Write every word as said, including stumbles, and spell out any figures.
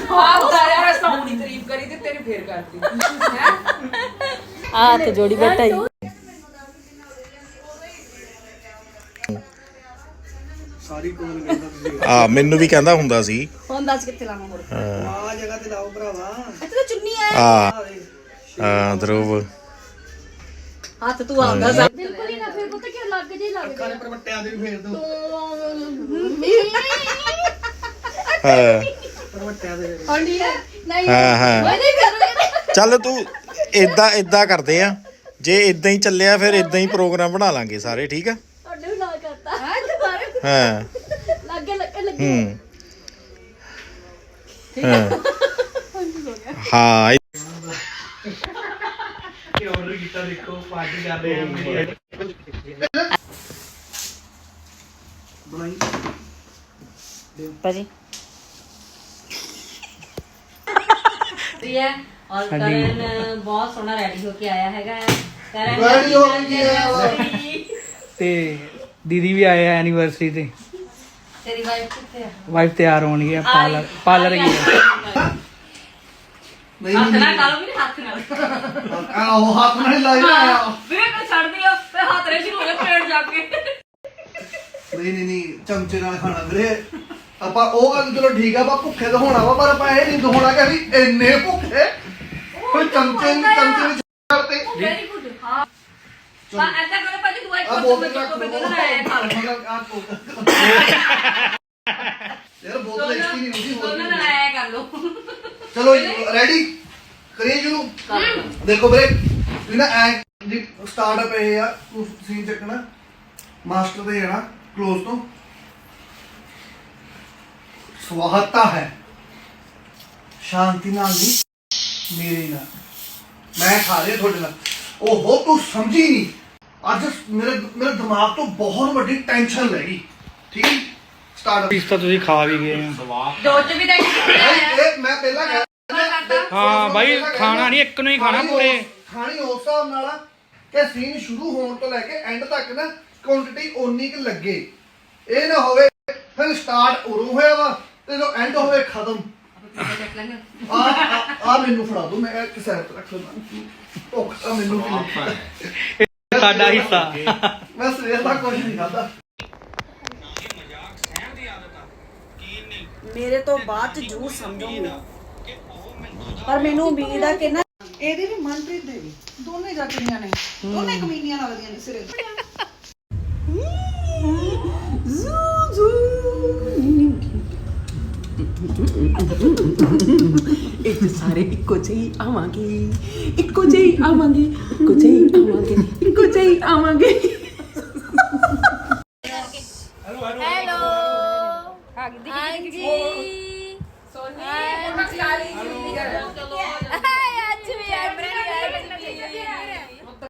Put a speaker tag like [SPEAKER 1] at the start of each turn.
[SPEAKER 1] ਆਪਦਾ ਯਾਰ ਸੋਹਣੀ ਤਾਰੀਫ ਕਰੀ ਤੇ ਤੇਰੀ ਫੇਰ ਕਰਤੀ ਹੈ
[SPEAKER 2] ਆ ਤੇ ਜੋੜੀ ਬੈਠਾ ਹੀ
[SPEAKER 3] ਸਾਰੀ ਕੋਲ ਕਹਿੰਦਾ ਤੁਸੀਂ
[SPEAKER 4] ਆ ਮੈਨੂੰ ਵੀ ਕਹਿੰਦਾ ਹੁੰਦਾ ਸੀ
[SPEAKER 2] ਹੁਣ ਦੱਸ ਕਿੱਥੇ ਲਾਵਾਂ ਹੋਰ
[SPEAKER 3] ਆ ਜਗ੍ਹਾ ਤੇ ਲਾਓ ਭਰਾਵਾ
[SPEAKER 2] ਇੱਥੇ ਤਾਂ ਚੁੰਨੀ ਆ
[SPEAKER 4] ਆ ਆ ਧਰੁਵ
[SPEAKER 2] ਹੱਥ ਤੂੰ ਆਉਂਦਾ ਸਾ
[SPEAKER 5] ਬਿਲਕੁਲ ਹੀ ਨਾ ਫਿਰ ਪਤਾ ਕੀ ਲੱਗ ਜੇ ਲੱਗ
[SPEAKER 3] ਅੱਖਾਂ ਦੇ ਪਰਵੱਟਿਆਂ ਦੇ ਵੀ ਫੇਰ ਦੋ
[SPEAKER 4] ਹਾਂ
[SPEAKER 3] ਪਰਵੱਟਿਆਂ ਦੇ
[SPEAKER 5] ਹੰਡੀ ਨਹੀਂ
[SPEAKER 4] ਹਾਂ ਹਾਂ
[SPEAKER 5] ਨਹੀਂ ਕਰੂੰਗੀ
[SPEAKER 4] ਚੱਲ ਤੂੰ ਇਦਾਂ ਇਦਾਂ ਕਰਦੇ ਆ ਜੇ ਇਦਾਂ ਹੀ ਚੱਲਿਆ ਫਿਰ ਇਦਾਂ ਹੀ ਪ੍ਰੋਗਰਾਮ ਬਣਾ ਲਾਂਗੇ ਸਾਰੇ ਠੀਕ ਆ
[SPEAKER 5] ਤੁਹਾਡੇ ਵੀ ਨਾ ਕਰਤਾ ਹਾਂ ਦੁਬਾਰਾ
[SPEAKER 4] ਹਾਂ
[SPEAKER 5] ਲੱਗੇ ਲੱਗੇ ਲੱਗੇ
[SPEAKER 4] ਹੂੰ ਹਾਂ ਹਾਂ
[SPEAKER 3] ਇਹ ਆਰਡਰ ਕੀਤਾ ਦੇਖੋ ਪਾਰਟੀ ਕਰ ਰਹੇ ਆ ਬਣਾਈ
[SPEAKER 2] ਭਾਜੀ
[SPEAKER 6] ਹੈ ਔਰ ਕਰਨ ਬਹੁਤ ਸੋਹਣਾ ਰੈਡੀ ਹੋ ਕੇ ਆਇਆ ਹੈਗਾ ਕਰਨ
[SPEAKER 3] Ready ਹੋ ਕੇ ਆਇਆ ਵਾ।
[SPEAKER 7] ਤੇ ਦੀਦੀ ਵੀ ਆਏ ਆ ਐਨੀਵਰਸਰੀ ਤੇ
[SPEAKER 6] ਤੇਰੀ ਵਾਈਫ ਕਿੱਥੇ ਆ
[SPEAKER 7] ਵਾਈਫ ਤਿਆਰ ਹੋਣਗੇ ਆ ਪਾਰਲਰ ਪਾਰਲਰ ਗਈ ਆ।
[SPEAKER 3] ਨਹੀਂ
[SPEAKER 6] ਹੱਥ
[SPEAKER 3] ਨਹੀਂ
[SPEAKER 6] ਨਾਲ ਕਾਲੋ ਵੀ ਹੱਥ ਨਾਲ
[SPEAKER 3] ਆਹ ਹੱਥ ਨਾਲ ਹੀ ਲਾਈ ਆਇਆ
[SPEAKER 6] ਵੀਰੇ ਕੋ ਛੱਡ ਦਿਓ ਤੇ ਹੱਥ ਰੇ ਸ਼ੁਰੂ ਹੋ ਗਏ ਪੇੜ ਜਾ ਕੇ
[SPEAKER 3] ਨਹੀਂ ਨਹੀਂ ਨਹੀਂ ਚਮਚੇ ਨਾਲ ਖਾਣਾ ਵੀਰੇ ਆਪਾਂ ਉਹ ਗੱਲ ਚਲੋ ਠੀਕ ਆ ਆਪਾਂ ਭੁੱਖੇ ਤਾਂ ਹੋਣਾ ਵਾ ਪਰ ਆਪਾਂ ਇਹ ਨਹੀਂ ਹੋਣਾ ਕਿ ਅਸੀਂ ਇੰਨੇ ਭੁੱਖੇ ਕੋਈ ਚਮਚੇ ਨਹੀਂ ਚਮਚੇ ਵਿੱਚ ਕਰਤੇ
[SPEAKER 6] ਵੈਰੀ ਗੁੱਡ ਹਾਂ ਪਾ ਐਸਾ ਕਰੋ ਭਾਜੀ ਤੂੰ ਇੱਕ
[SPEAKER 3] ਆ
[SPEAKER 6] ਕੋਲ
[SPEAKER 3] ਬੋਤਲ
[SPEAKER 6] ਤੋਂ
[SPEAKER 3] ਰੱਖ
[SPEAKER 6] ਮੈਂ
[SPEAKER 3] ਲਓ
[SPEAKER 6] ਤੋਂ ਲੈ ਖਾ ਲਓ
[SPEAKER 3] ਆ ਕੋਕ ਯਾਰ ਬੋਤਲ ਇੱਕ ਹੀ ਨਹੀਂ ਹੁੰਦੀ ਹੋਰ
[SPEAKER 6] ਦੋਨਾਂ
[SPEAKER 3] ਵੀ
[SPEAKER 6] ਨਾਲ ਆਇਆ ਕਰ ਲਓ
[SPEAKER 3] ਚਲੋ ਰੈਡੀ ਕਰੀਏ ਸ਼ੁਰੂ ਦੇਖੋ ਵੀਰੇ ਤੁਸੀਂ ਨਾ ਐ ਦੀ ਸਟਾਰਟਅਪ ਇਹ ਆ ਸੀਨ ਚੱਕਣਾ ਮਾਸਟਰ ਤੇ ਜਾਣਾ ਕਲੋਜ਼ ਤੋਂ ਸਵਾਗਤਾ ਹੈ ਸ਼ਾਂਤੀ ਨਾਲ ਨਹੀਂ ਮੇਰੇ ਨਾਲ ਮੈਂ ਖਾ ਰਿਹਾ ਤੁਹਾਡੇ ਨਾਲ ਓਹੋ ਤੂੰ ਸਮਝੀ ਨਹੀਂ ਅੱਜ ਮੇਰੇ ਮੇਰੇ ਦਿਮਾਗ ਤੋਂ ਬਹੁਤ ਵੱਡੀ ਟੈਨਸ਼ਨ ਲੈ ਗਈ ਠੀਕ ਹੈ ਸਟਾਰਟਅਪ
[SPEAKER 7] ਪੀਸ ਤਾਂ ਤੁਸੀਂ ਖਾ ਵੀ ਗਏ ਆ
[SPEAKER 6] ਦੋ ਚ ਵੀ ਤਾਂ
[SPEAKER 3] ਇਹ ਮੈਂ ਪਹਿਲਾਂ ਕਹਿ
[SPEAKER 7] ਹਾਂ ਬਾਈ ਖਾਣਾ ਨਹੀਂ ਇੱਕ ਨੂੰ ਹੀ ਖਾਣਾ ਪੂਰੇ
[SPEAKER 3] ਖਾਣੀ ਉਸ ਹਿਸਾਬ ਨਾਲ ਆ ਕਿ ਸੀਨ ਸ਼ੁਰੂ ਹੋਣ ਤੋਂ ਲੈ ਕੇ ਐਂਡ ਤੱਕ ਨਾ ਕੁਆਂਟੀਟੀ ਓਨੀ ਕਿ ਲੱਗੇ ਇਹ ਨਾ ਹੋਵੇ ਫਿਰ ਸਟਾਰਟ ਉਰੋਂ ਹੋਇਆ ਵਾ ਤੇ ਜਦੋਂ ਐਂਡ ਹੋਵੇ ਖਤਮ ਆ ਆ ਮੈਨੂੰ ਫੜਾ ਦੋ ਮੈਂ ਇੱਕ ਸਾਈਡ ਤੇ ਰੱਖ ਲਵਾਂ ਭੁੱਖ ਤਾਂ ਮੈਨੂੰ ਵੀ ਲੱਗੀ
[SPEAKER 7] ਸਾਡਾ ਹਿੱਸਾ
[SPEAKER 3] ਮੈਂ ਸਵੇਰ ਦਾ ਕੁਝ ਨਹੀਂ ਖਾਦਾ
[SPEAKER 2] ਮੇਰੇ ਤੋਂ ਬਾਅਦ ਚ ਜੂਸ ਸਮਝੂਗੀ ਪਰ ਮੈਨੂੰ ਉਮੀਦ ਆ ਕਿ ਨਾ
[SPEAKER 8] ਇਹਦੇ ਵੀ ਮਨਪ੍ਰੀਤ ਦੇ ਵੀ ਦੋਨੇ ਜਾਟੀਆਂ ਨੇ ਦੋਨੇ ਕਮੀਨੀਆਂ ਲੱਗਦੀਆਂ ਨੇ ਸਿਰੇ
[SPEAKER 1] ਇੱਥੇ ਸਾਰੇ ਇੱਕੋ ਜਿਹੀ ਆਵਾਂਗੇ ਇੱਕੋ ਜਿਹੀ ਆਵਾਂਗੇ ਇੱਕੋ ਜਿਹੀ ਆਵਾਂਗੇ ਇੱਕੋ ਜਿਹੀ ਆਵਾਂਗੇ
[SPEAKER 5] ਹੈਲੋ ਹਾਂਜੀ ਸੋਨੀ ਫੋਟੋ ਖਿਲਾ ਲਈ